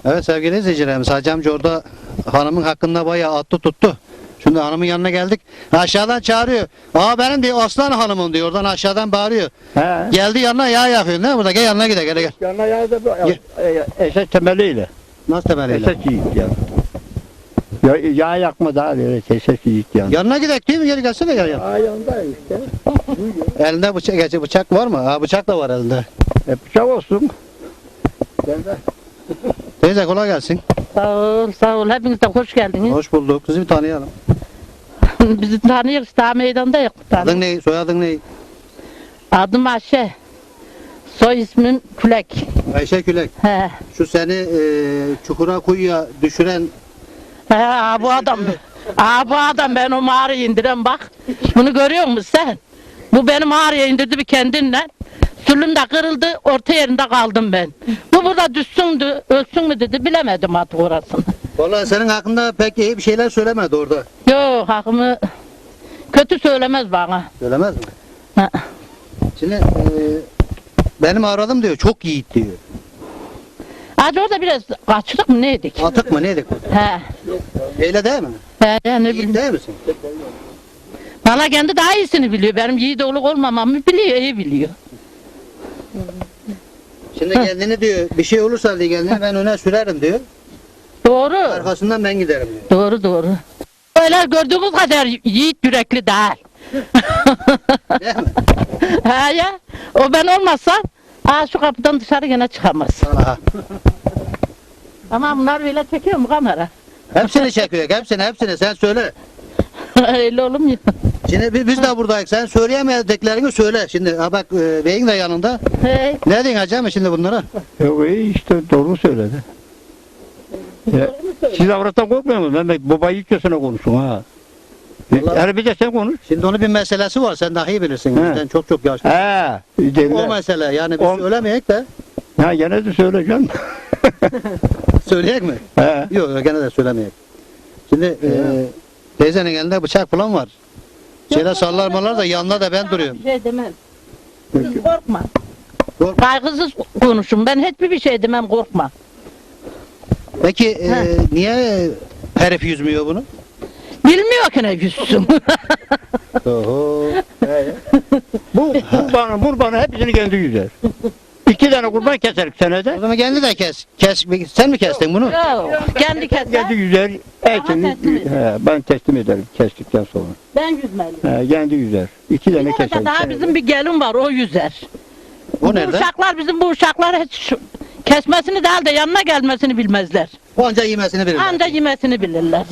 Evet sevgili izleyicilerimiz, Hacı amca orada hanımın hakkında bayağı attı tuttu. Şimdi hanımın yanına geldik. Aşağıdan çağırıyor. Aa benim diyor aslan hanımım diyor. Oradan aşağıdan bağırıyor. He. Geldi yanına yağ yakıyor. Ne burada? Gel yanına gidelim. Gel gel. Yanına yazdı esas temeliyle. Nasıl temeliyle? Esas yiğit yani. Yağ yakma daha böyle esas yiğit yani. Yanına gidelim değil mi? Gel gelsene gel. Yağ yanındayım işte. Elinde bıçak var mı? Ha bıçak da var elinde. Bıçak olsun. Gel. Teyze kolay gelsin. Sağ ol, sağ ol. Hepiniz de hoş geldiniz. Hoş bulduk. Sizi bir tanıyalım. Bizi tanıyoruz, daha meydanda yok. Adın ne? Soyadın ne? Adım Ayşe. Soy ismim Külek. Ayşe Külek. He. Şu seni çukura kuyuya düşüren He, bu adam. Bu adam ben o mağaraya indiren bak. Bunu görüyor musun sen? Bu beni mağaraya indirdi bir kendinle. Sülüm de kırıldı, orta yerinde kaldım ben. Bu burada düşsündü, ölsün mü dedi, bilemedim artık orasını. vallahi senin hakkında pek iyi bir şeyler söylemedi orada. Yok, hakkımı kötü söylemez bana. Söylemez mi? Ha. Şimdi benim aradım diyor. Çok yiğit diyor. Hadi orada biraz kaçtık mı neydik? Atık mı neydik? He. Eyle değil mi? He, ne Yiğit bileyim. değil misin? Valla kendi daha iyisini biliyor. Benim yiğit oğluk olmamamı biliyor, iyi biliyor. Şimdi kendini diyor bir şey olursa diye kendini ben öne sürerim diyor. Doğru. Arkasından ben giderim diyor. Doğru doğru. Öyle gördüğümüz kadar yiğit yürekli değil. Değil mi? He ya. O ben olmazsam şu kapıdan dışarı gene çıkamaz. Aha. Ama bunlar böyle çekiyor mu kamera? Hepsini çekiyor. Hepsini sen söyle. Öyle olur mu? Şimdi biz de buradayız. Sen söyleyemediklerini söyle. Şimdi ha bak beyin de yanında. Hey. Ne diyorsun hacı mı şimdi bunlara? Yok iyi işte doğru söyledi. Siz avrattan korkmuyor musunuz? Mehmet babayı içiyorsun konuşun ha. Vallahi- Yani bir de sen konuş. Şimdi onun bir meselesi var. Sen daha iyi bilirsin. He. Bizden çok yaşlı. He. O Derler. mesele. Yani biz O- söylemeyek de Ha gene de söyleyeceğim. söyleyek mi? He. Yok gene de söylemeyek. Şimdi teyzenin elinde bıçak falan var. Şeyler sallarmalar da yanında da ben duruyorum. Bir şey demem. Siz korkma. Korkma. Kaygısız konuşun. Ben hiçbir şey demem, korkma. Peki niye herif yüzmüyor bunu? Bilmiyor ki ne yüzsün. Oho. Bu kurbanı hepsini kendi yüzer. 2 tane kurban keserik senede. O zaman kendi de kes. Sen mi kestin bunu? Yok, kendi Kendi keser. yüzer. Etini, teslim eder. ben teslim ederim kestikten sonra. Ben yüzmeliyim. Kendi yüzer. 2 tane Bir keserik. arada daha bizim bir gelin var, o yüzer. O Bu nerede? uşaklar bizim bu uşaklar hiç kesmesini değil de yanına gelmesini bilmezler. O anca yemesini bilir. Anca yemesini bilirler.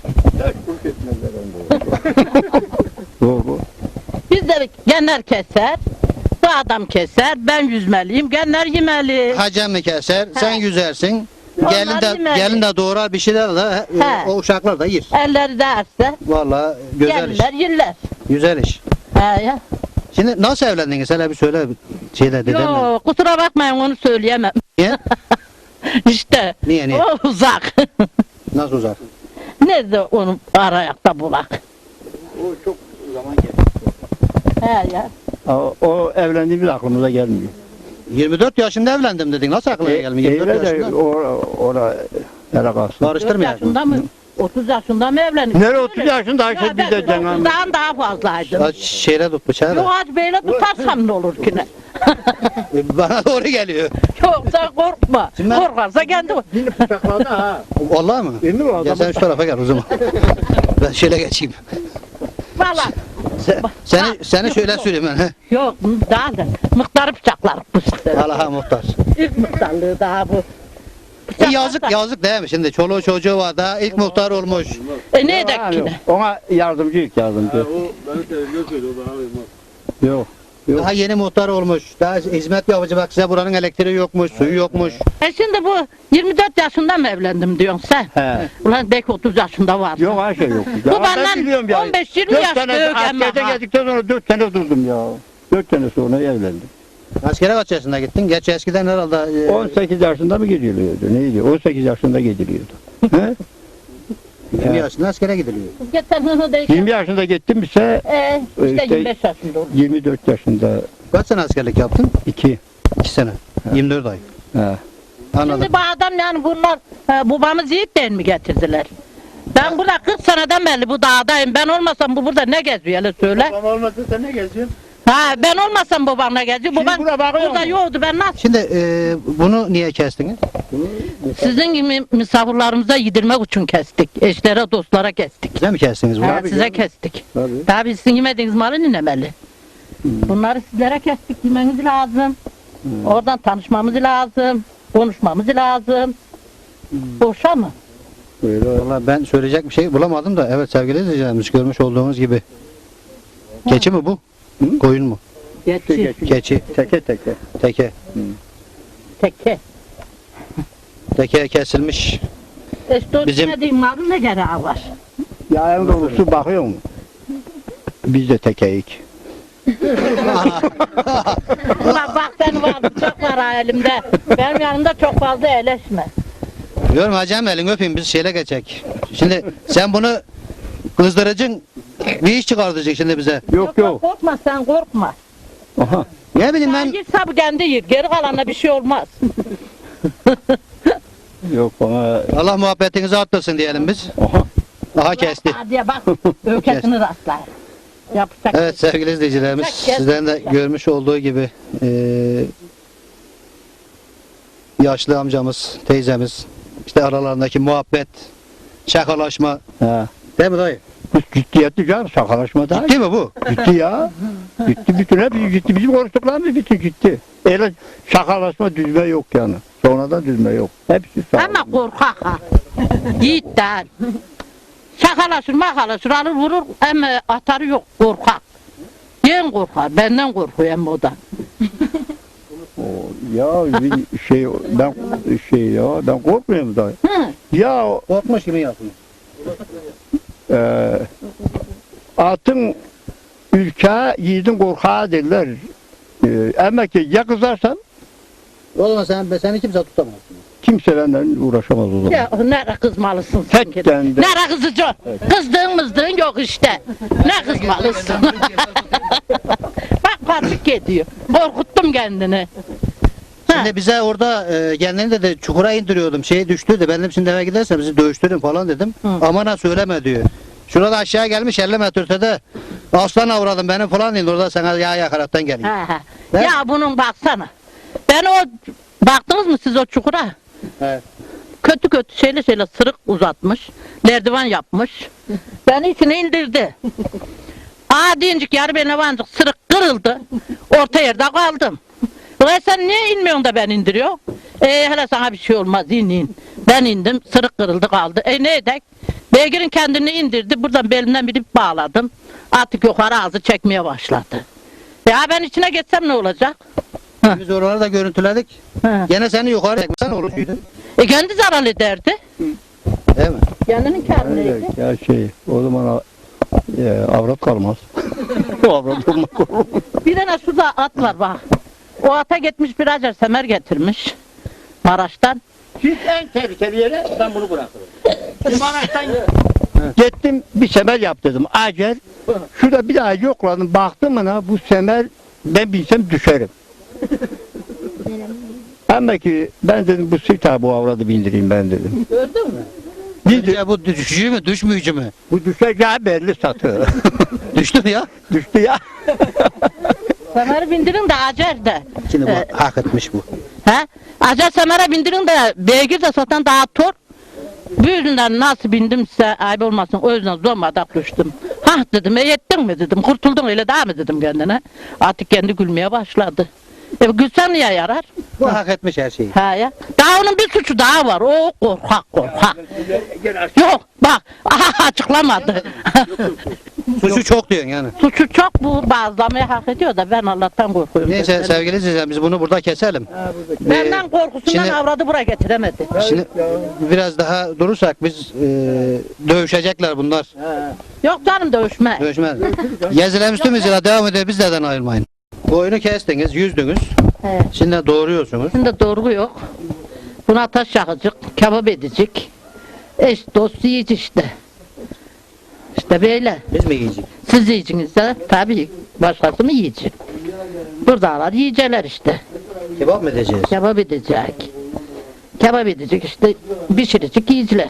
Doğru. Biz de genler keser, bu adam keser, ben yüzmeliyim, genler yemeli. Hacem mi keser, sen yüzersin. Onlar Gelin yemeli. de doğrar bir şeyler de He. o uşaklar da yer. Elleri derse Vallahi güzel iş. gelirler, yerler. Güzel iş. He ya. Şimdi nasıl evlendiniz? Hele bir söyle şeyler dedemle. Yok, kusura bakmayın onu söyleyemem. Niye? İşte Niye? o uzak. Nasıl uzak? Nerede onu arayakta bulak? O çok zaman geçti. He ya. O evlendiğimiz aklımıza gelmiyor. 24 yaşında evlendim dedin. Nasıl aklına gelmiyor? 24 Öyle de yaşında. ona hele kalsın. 4 Karıştırmayalım. yaşında mı? 30 yaşında mı evlendik? Nereye 30 yaşında Ayşe Ya bir de ben cenab 30'dan daha fazlaydım. Şeyle tut bıçağı Yok da. hadi böyle tutarsam ne olur ki ne? Bana doğru geliyor. Yoksa korkma. Şimdi ben- Korkarsa kendi. Yine bıçakladı ha. Vallahi mı? Değil mi o Gel adam? sen şu tarafa gel o zaman. Ben şöyle geçeyim. Valla. Seni şöyle süreyim ben. He. Yok daha da. Mıhtarı bıçaklar bu işte. Allah'a muhtar. İlk mıhtarlığı daha bu. Yazık değil mi şimdi? Çoluğu çocuğu var da ilk muhtar olmuş. Ne edek ki ne? Ona yardımcı ilk yardımcı. Ben televizyon söylüyor, bana uymaz. Yok. Yok. Daha yeni muhtar olmuş. Daha hizmet yapıcı bak size buranın elektriği yokmuş, suyu yokmuş. Şimdi bu 24 yaşında mı evlendim diyorsun sen? He. Ulan belki 30 yaşında var. Yok Ayşe yok. Bu Ya ben benden biliyorum ya. 15-20 Dört yaş sene büyük ama askerde ha. geldikten sonra 4 sene durdum ya. 4 sene sonra evlendim. Askere kaç yaşında gittin? Gerçi eskiden herhalde 18 yaşında mı gidiliyordu? Neydi? 18 yaşında gidiliyordu. He? 20 yaşında askere gidiliyor. Geçen hını değil. 20 yaşında gittim ise İşte işte 25 yaşında oldu. 24 yaşında Kaç sene askerlik yaptın? 2. 2 sene. 24 ay. He. Anladım. Şimdi bu adam yani bunlar babamız yiğitten mi getirdiler? Ben burada 40 seneden beri bu dağdayım. Ben olmasam bu burada ne geziyor hele söyle. Babam olmasa sen ne geziyorsun? Ha ben olmasam babam ne geziyor? Şimdi Babam burada bakıyor burada musun? yoktu ben nasıl? Şimdi bunu niye kestiniz? Sizin gibi misafirlerimize yedirmek için kestik. Eşlere dostlara kestik. Size mi kestiniz bunu? Ha, size kestik. Tabii sizin yemediğiniz malı ninemeli. Bunları sizlere kestik. Yemeniz lazım. Oradan tanışmamız lazım. Konuşmamız lazım. Boşa mı? Vallahi ben söyleyecek bir şey bulamadım da evet sevgili izleyicilerimiz görmüş olduğunuz gibi. Keçi mi bu? Koyun mu? Geçi. Keçi. Teke. Teke. Tekke. Teke kesilmiş. İşte o Bizim- yemediğin malın ne gereği var? Ya en doğrusu bakıyor mu? Biz de tekeyik. Ulan bak senin vardı çok var ha elimde. Benim yanımda çok fazla eleşme. Diyorum hacım elini öpeyim biz şeyle geçecek. Şimdi sen bunu kızdırıcın bir iş çıkartacak şimdi bize. Yok. Korkma sen korkma. Aha. Ne bileyim Ben ben yiyip sabı kendi yiyip geri kalanına bir şey olmaz. Yok bana. Allah muhabbetinizi arttırsın diyelim biz. Aha. Aha kesti. Hadi bak ökesini rastlar. Yapacak. Evet sevgili izleyicilerimiz Kes. sizlerin de görmüş olduğu gibi yaşlı amcamız, teyzemiz işte aralarındaki muhabbet, şakalaşma. Ha. Değil mi dayı? Bu ciddiyetli canım şakalaşma da. Ciddi mi bu? Ciddi ya. Ciddi bütün hep ciddi. Bizim konuştuklarımız bütün ciddi. Öyle şakalaşma düzme yok yani. Sonradan düzme yok. Hepsi şakalaşma. Ama korkak ha. Yiğitten. Şakalaşır makalaşır alır vurur ama atarı yok korkak. Yen korkar benden korkuyor hem o da. Ya bir ben korkmuyorum da. Hı. Ya Korkmuş gibi yapıyor. atın ülke yiğidin korkağı derler. Ama ki ya kızarsan O zaman seni kimse tutamaz. kimse benden uğraşamaz o zaman. Ya nere kızmalısın sen ki? Hakikaten de. Nere kızacaksın? Kızdığın mızdığın yok işte. Ne kızmalısın? Bak patik ediyor. Korkuttum kendini. Şimdi bize orada kendini de çukura indiriyordum. Şey düştü de ben dedim şimdi eve gidersen bizi dövüştürün falan dedim. Aman ha söyleme diyor. Şurada aşağı gelmiş 50 metre ötede aslan avradım benim falan değil orada sana yağ yakaraktan geliyor. Ha, ha. Ne? Ya bunun baksana. Ben o baktınız mı siz o çukura? Evet. Kötü kötü şeyle sırık uzatmış. Merdiven yapmış. Beni içine indirdi. Dincik yarı beni vancık sırık kırıldı. Orta yerde kaldım. Ulan sen niye inmiyorsun da ben indiriyor? Hele sana bir şey olmaz in. Ben indim sırık kırıldı kaldı. Ne edek? Beygir'in kendini indirdi. Buradan belimden bir ip bağladım. Artık yukarı ağzı çekmeye başladı. Ya ben içine geçsem ne olacak? Biz oraları da görüntüledik. Ha. Gene seni yukarı çekmesen olur muydu? Kendi zarar ederdi. Değil mi? Kendinin karnıydı. Evet, ya o zaman avrat kalmaz. Avrat olmak olur. Bir tane şurada at var bak. O ata gitmiş bir acar semer getirmiş. Maraş'tan. Siz en tehlikeli yere ben bunu bırakırım. Gittim bir semer yap dedim. Acer. Şurada bir daha yokladım. Baktım bana bu semer ben bilsem düşerim. Ama ki ben dedim bu sita bu avradı bindireyim ben dedim. Gördün mü? Ya bu düşücü mü düşmüyücü mü? Bu düşeceği belli satı. Düştü mü ya? Düştü ya. Semeri bindirin de acar da. Şimdi bu hak etmiş bu. He? Acar semere bindirin de beygir de satan daha tor. Bu yüzden nasıl bindim size ayıp olmasın o yüzden zormadan düştüm. Hah dedim yettin mi dedim kurtuldun öyle daha mı dedim kendine. Artık kendi gülmeye başladı. Gülsen niye yarar? Bu hak etmiş her şeyi. Ha ya. Daha onun bir suçu daha var. O korkak. Yok bak açıklamadı. Suçu çok diyorsun yani. Suçu çok bu bazlamayı hak ediyor da ben Allah'tan korkuyorum. Neyse sevgili izleyiciler biz bunu burada keselim. Benden korkusundan şimdi- avradı buraya getiremedi. Şimdi biraz daha durursak biz dövüşecekler bunlar. Yok canım dövüşme. Dövüşmez. Geziler üstümüz ile devam ediyor bizlerden ayrılmayın. Koyunu kestiniz, yüzdünüz. He. Şimdi doğruyorsunuz. Şimdi doğru yok. Buna taş yakacak, kebap edecek. Eş dost yiyici işte. İşte böyle. Biz mi yiyeceğiz? Siz yiyeceksiniz de tabii başkası mı yiyecek? Buradalar yiyecekler işte. Kebap mı edeceğiz? Kebap edecek. Kebap edecek işte, pişirecek yiyiciler.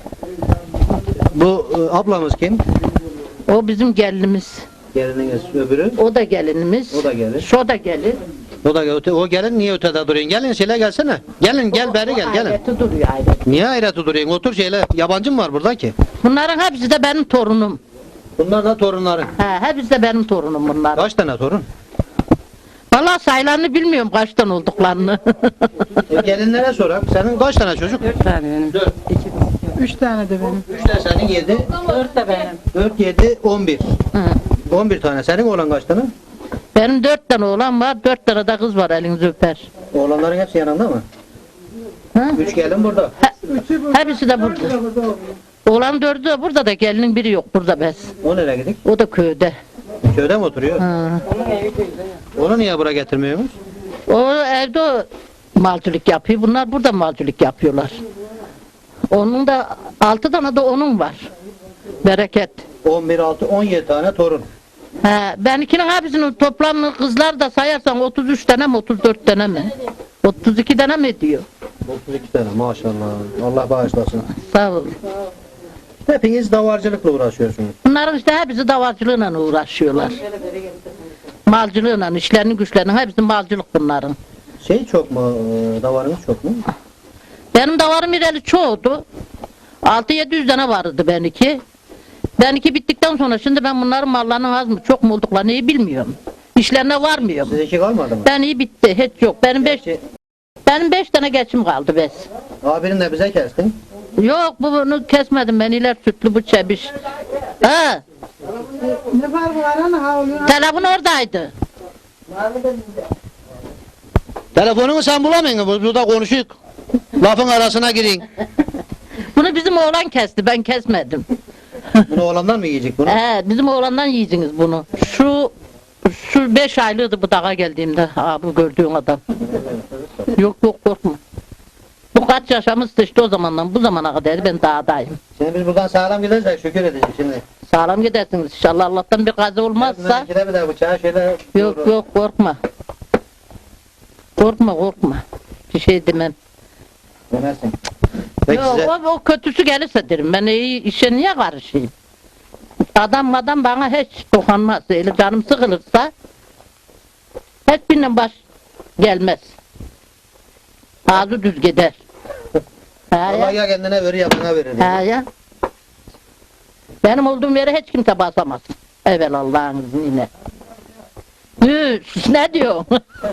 Bu ablamız kim? O bizim gelinimiz. Gelininiz öbürü. O da gelinimiz. O da gelin. Şu da gelin. O gelin niye ötede duruyorsun? Gelin şöyle gelsene. Gelin gel beri gel gelin. Aileti duruyor aileti. Niye ayrıtı duruyorsun? Otur şöyle. Yabancı mı var burada ki? Bunların hepsi de benim torunum. Bunlar da torunların. Hepsi de benim torunum bunlar. Kaç tane torun? Vallahi sayılarını bilmiyorum kaçtan olduklarını. Gelinlere sorak. Senin kaç tane çocuk? 4 tane benim. 4. 3 tane de benim. 3 tane senin 7. 4 de benim. 4, 7, 11. Hı. 11 tane. Senin oğlan kaç tane? Benim 4 tane oğlan var, 4 tane de kız var, elinizi öper. Oğlanların hepsi yanında mı? Ha? 3 gelin burada. Hepsi de burada. Oğlan 4'ü de burada da gelinin biri yok burada bez. O nereye gidik? O da köyde. Köyde mi oturuyor? Ha. Onu niye buraya getirmiyorsunuz? O evde o malcılık yapıyor. Bunlar burada malcılık yapıyorlar. Onun da 6 tane de onun var. Bereket. 11, 6, 17 tane torun. Benimkinin hepsinin toplamını kızlar da sayarsan 33 tane mi 34 tane mi? 32 tane mi diyor? 32 tane maşallah. Allah bağışlasın. Sağ ol. Hepiniz davarcılıkla uğraşıyorsunuz. Bunların işte hepsi davarcılığıyla uğraşıyorlar. Malcılığıyla, işlerinin güçlerinin hepsi malcılık bunların. Şey çok mu? Davarınız çok mu? Benim davarım ireli çoğdu. 600-700 tane vardı benimki. Benimki bittikten sonra şimdi ben bunların mallarının az mı çok mu olduklarını iyi bilmiyorum. İşlerine varmıyorum. Sizinki kalmadı mı? Ben iyi bitti, hiç yok. Benim 5 tane geçim kaldı bes. Abinin de bize kestin. Yok bunu kesmedim ben iler sütlü bu çebiş. Ha, Ne farkı var ana ha oluyor. telefon oradaydı. Telefonumu sen bulamıyorsun. Burada konuşuyor. Lafın arasına girin. Bunu bizim oğlan kesti, ben kesmedim. Bunu oğlandan mı yiyecek bunu? Bizim oğlandan yiyeceksiniz bunu. Şu 5 aylıydı bu dağa geldiğimde. Bu gördüğün adam. Yok korkma. Bu kaç yaşamıştı işte o zamandan bu zamana kadar ben dağdayım. Şimdi biz buradan sağlam gideriz şükür edeceğiz şimdi. Sağlam gidersiniz inşallah Allah'tan bir kaza olmazsa. İkide bir de bıçağı şöyle... Yok korkma. Korkma. Bir şey demem. Demezsin. Peki Yok size... o kötüsü gelirse derim. Ben iyi işe niye karışayım? Adam bana hiç dokunmaz. Öyle canım sıkılırsa hiçbirinden baş gelmez. Ağzı düz gider. Allah ya kendine verir ya bana verir. Ya. Benim olduğum yere hiç kimse basamaz. Evet Allah'ın izniyle. Ne diyor?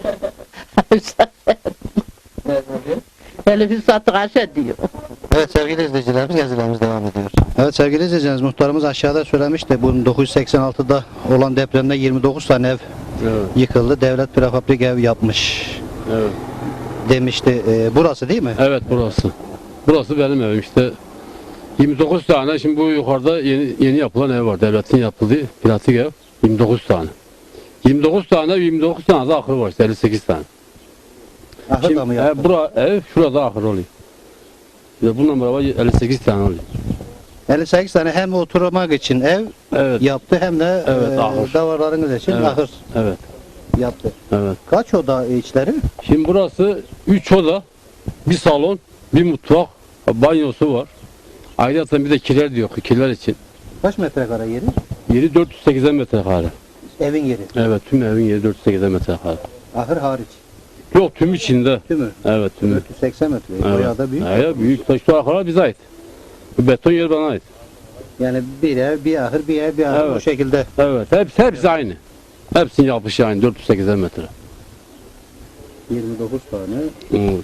Elif'i sattık aşağı diyor. Evet sevgili izleyicilerimiz gezilerimiz devam ediyor. Evet sevgili izleyicilerimiz muhtarımız aşağıda söylemişti. Bunun 986'da olan depremde 29 tane ev yıkıldı. Devlet prefabrik ev yapmış Evet. demişti. Burası değil mi? Evet burası. Burası benim evim işte. 29 tane şimdi bu yukarıda yeni yapılan ev var. Devletin yapıldığı plastik ev. 29 tane. 29 tane de ahır var işte 58 tane. Ahır da mı yaptı? Ev şurada ahır oluyor. İşte bununla beraber 58 tane oluyor. 58 tane hem oturmak için ev Evet. yaptı hem de Evet, ahır. davarlarınız için Evet. ahır Evet. yaptı. Evet. Kaç oda içleri? Şimdi burası 3 oda, bir salon, bir mutfak, banyosu var. Ayrıca bir de kiler diyor, kiler için. Kaç metrekare yeri? Yeri 480 metrekare. Evin yeri. Evet, tüm evin yeri 480 metrekare. Ahır hariç. Yok, tüm içinde. Tümü. Evet, tümü. 480 metre. Evet. Bayağı da büyük. Evet, büyük. Şu arkalar bize ait. Bu beton yer bana ait. Yani bir ev, bir ahır, bir ev, bir ahır Evet. o şekilde. Evet, hepsi aynı. Hepsinin yapışı aynı, 480 metre. 29 tane. Evet.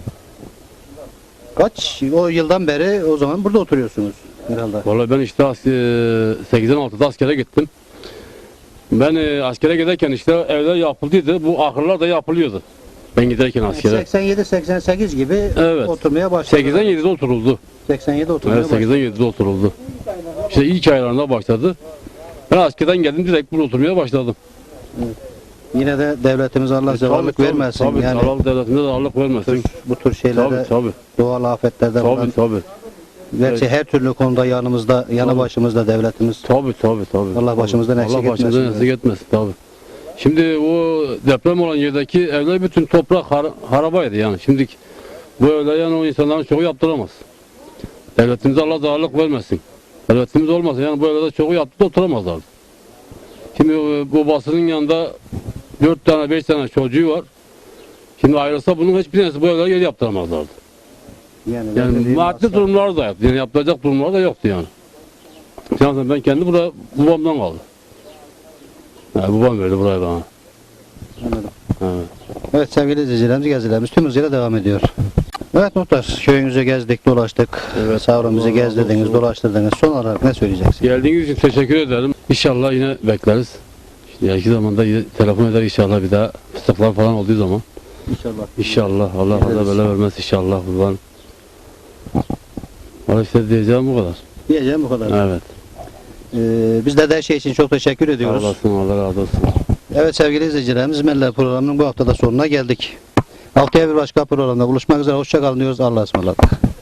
Kaç o yıldan beri o zaman burada oturuyorsunuz herhalde. Vallahi ben işte 86'da askere gittim. Ben askere giderken işte evler yapıldıydı. Bu ahırlar da yapılıyordu. Ben giderken askere. 87-88 gibi Evet. oturmaya başladı. 87'de oturuldu. 87 oturmaya Evet, başladı. 87'de oturuldu. İşte ilk aylarında başladı. Ben askerden geldim direkt burada oturmaya başladım. Yine de devletimiz Allah zevallık Tabii, vermesin. Tabii, yani Allah devletinde de Allah vermesin. bu tür şeylerde Tabii, tabii. doğal afetlerde falan. Tabii, tabii. Gerçi her türlü konuda yanımızda, yanı Tabii. başımızda devletimiz. Tabii. Allah başımızdan eksik Allah başımızdan etmesin. eksik etmesin tabii. Şimdi o deprem olan yerdeki evler bütün toprak harabaydı yani. Şimdi Böyle yani o insanların çoğu yaptıramaz. Devletimize Allah zararlık vermesin. Devletimiz olmasa yani böyle de çoğu yaptı da oturamazlardı. Şimdi babasının yanında 4 tane 5 tane çocuğu var. Şimdi ayrılsa bunun hiçbir tanesi böyle yer yaptıramazlardı. Yani maddi durumları da yoktu. Yani yapılacak durumları da yoktu yani. Yani ben kendi burada babamdan kaldım. Yani babam verdi burayı bana. Anladım. Evet. Evet sevgili izleyicilerimiz gezilerimiz tüm hızıyla devam ediyor. Evet muhtar köyünüzü gezdik dolaştık. Evet. Savran bizi Allah razı gezdirdiniz olsun. dolaştırdınız. Son olarak ne söyleyeceksiniz? Geldiğiniz için teşekkür ederim. İnşallah yine bekleriz. İşte yakın zamanda telefon eder inşallah bir daha fıstıklar falan olduğu zaman. İnşallah. İnşallah Allah Geliriz. kaza bela vermez inşallah buradan. Valla işte diyeceğim bu kadar. Diyeceğim bu kadar. Evet. Biz de her şey için çok teşekkür Sağ ediyoruz. olasın Allah razı olsun. Evet sevgili izleyicilerimiz Meller programının bu haftada sonuna geldik. Haftaya bir başka programda buluşmak üzere. Hoşça kalın diyoruz. Allah'a ısmarladık.